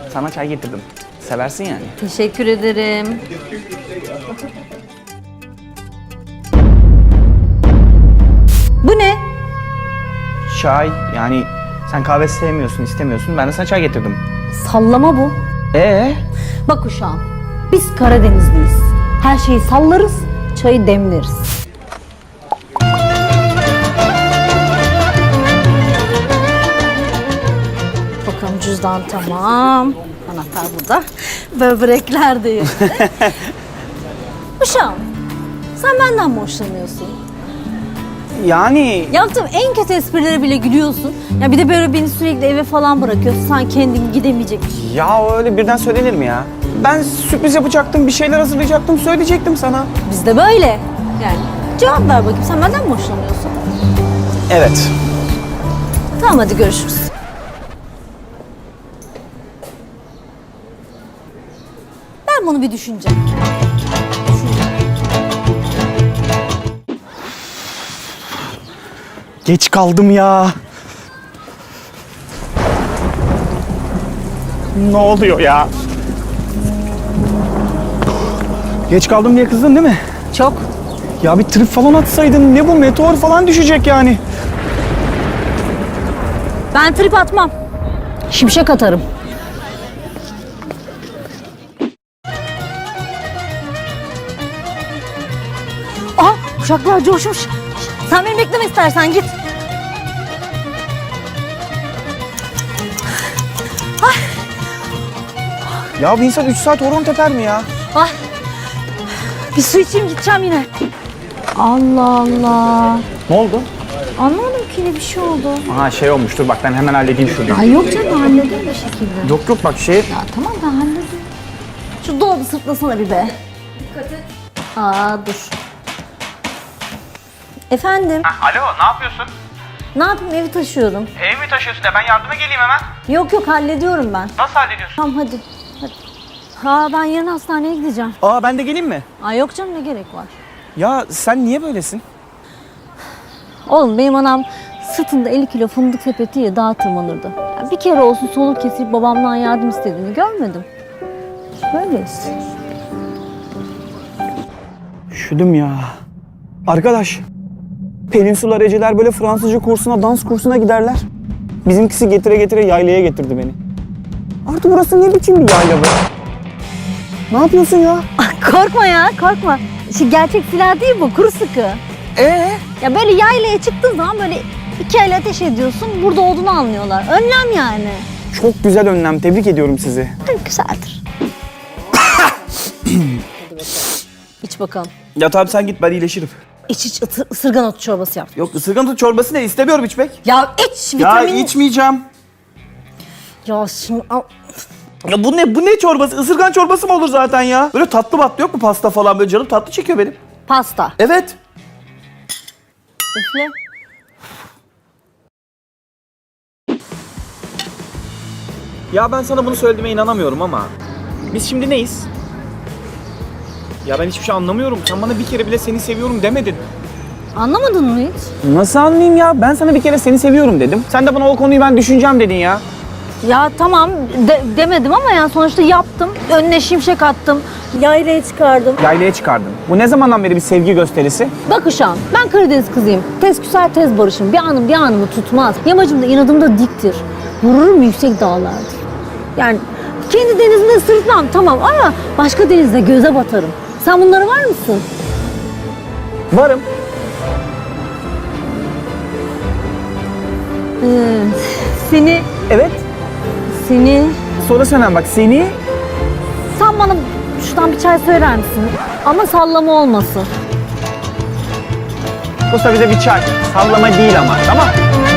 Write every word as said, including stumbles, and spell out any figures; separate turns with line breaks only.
Sana çay getirdim. Seversin yani.
Teşekkür ederim. Bu ne?
Çay yani sen kahve sevmiyorsun, istemiyorsun. Ben de sana çay getirdim.
Sallama bu.
Ee?
Bak uşağım, biz Karadenizliyiz. Her şeyi sallarız, çayı demleriz. Bakalım cüzdan tamam. Anahtar burada. Böbrekler de yerinde. Uşağım, sen benden mi hoşlanıyorsun?
Yani
Yaptığım en kötü esprilere bile gülüyorsun. Ya bir de böyle beni sürekli eve falan bırakıyorsun. Sen kendin gidemeyecekmiş.
ya öyle birden söylenir mi ya? Ben sürpriz yapacaktım, bir şeyler hazırlayacaktım, söyleyecektim sana.
Biz de böyle. Yani cevap ver bakayım, sen benden mi hoşlanıyorsun?
Evet.
Tamam, hadi görüşürüz. Ben bunu bir düşüneceğim.
Geç kaldım ya. Ne oluyor ya? Geç kaldım diye kızdın değil mi?
Çok.
Ya bir trip falan atsaydın, ne bu, meteor falan düşecek yani.
Ben trip atmam. Şimşek atarım. Aa, uşaklar coşmuş. Sen beni bekleme istersen, git.
Ya bir insan üç saat horon teper mi ya?
Ay, bir su içeyim, gideceğim yine. Allah Allah.
Ne oldu?
Anlamadım ki, ne bir şey oldu.
Aha şey olmuştur, bak ben hemen halledeyim şunu.
Ay yok canım, hallederim bir şekilde.
Yok yok bak şey...
Ya tamam, ben hallederim. Şu dolabı sırtlasana bir be. Dikkat et. Aa, dur. Efendim?
Alo, ne yapıyorsun?
Ne yapayım, evi taşıyorum.
Ev mi taşıyorsun ya? Ben yardıma geleyim hemen.
Yok yok, hallediyorum ben.
Nasıl hallediyorsun?
Tamam, hadi. Hadi. Ha, ben yarın hastaneye gideceğim.
Aa ben de geleyim mi?
Aa, yok canım, ne gerek var?
Ya sen niye böylesin?
Oğlum, benim anam sırtında elli kilo fındık sepetiyle dağa tırmanırdı. Ya bir kere olsun soluk kesip babamdan yardım istediğini görmedim. Böyleyiz.
Üşüdüm ya. Arkadaş, Peninsular Eceler böyle Fransızca kursuna, dans kursuna giderler. Bizimkisi getire getire yaylaya getirdi beni. Artık burası ne biçim bir yayla be? Ne yapıyorsun ya?
Korkma ya, korkma. Şimdi gerçek silah değil bu, kuru sıkı.
Ee?
Ya böyle yaylaya çıktığın zaman böyle iki el ateş ediyorsun, burada olduğunu anlıyorlar. Önlem yani.
Çok güzel önlem, tebrik ediyorum sizi.
Güzeldir. İç bakalım.
Ya tabii sen git, ben iyileşirim.
İç iç, ıtır, ısırgan otu çorbası yap.
Yok, ısırgan tut çorbası ne? İstemiyorum içmek.
Ya iç,
Ya
vitamin.
içmeyeceğim.
Ya şimdi al.
Ya bu ne, bu ne çorbası? Isırgan çorbası mı olur zaten ya? Böyle tatlı batlı yok mu, pasta falan, böyle canım tatlı çekiyor benim.
Pasta.
Evet.
Üfle.
Ya ben sana bunu söylediğime inanamıyorum ama biz şimdi neyiz? Ya ben hiçbir şey anlamıyorum. Sen bana bir kere bile seni seviyorum demedin.
Anlamadın mı hiç?
Nasıl anlayayım ya? Ben sana bir kere seni seviyorum dedim. Sen de bana o konuyu ben düşüneceğim dedin ya.
Ya tamam de- demedim ama yani sonuçta yaptım. Önüne şimşek attım. Yaylaya çıkardım.
Yaylaya çıkardın. Bu ne zamandan beri bir sevgi gösterisi?
Bak uşağım, ben Karadeniz kızıyım. Tez küser tez barışım. Bir anım bir anımı tutmaz. Yamacım da inadım da diktir. Vururum yüksek dağlardır. Yani kendi denizimde sırtmam tamam ama başka denizde göze batarım. Sen bunlara var mısın?
Varım.
Ee, seni,
Evet.
seni...
Sonra sen bak seni...
Sen bana şuradan bir çay söyler misin? Ama sallama olmasın.
Kosta bize bir çay. Sallama değil ama, tamam?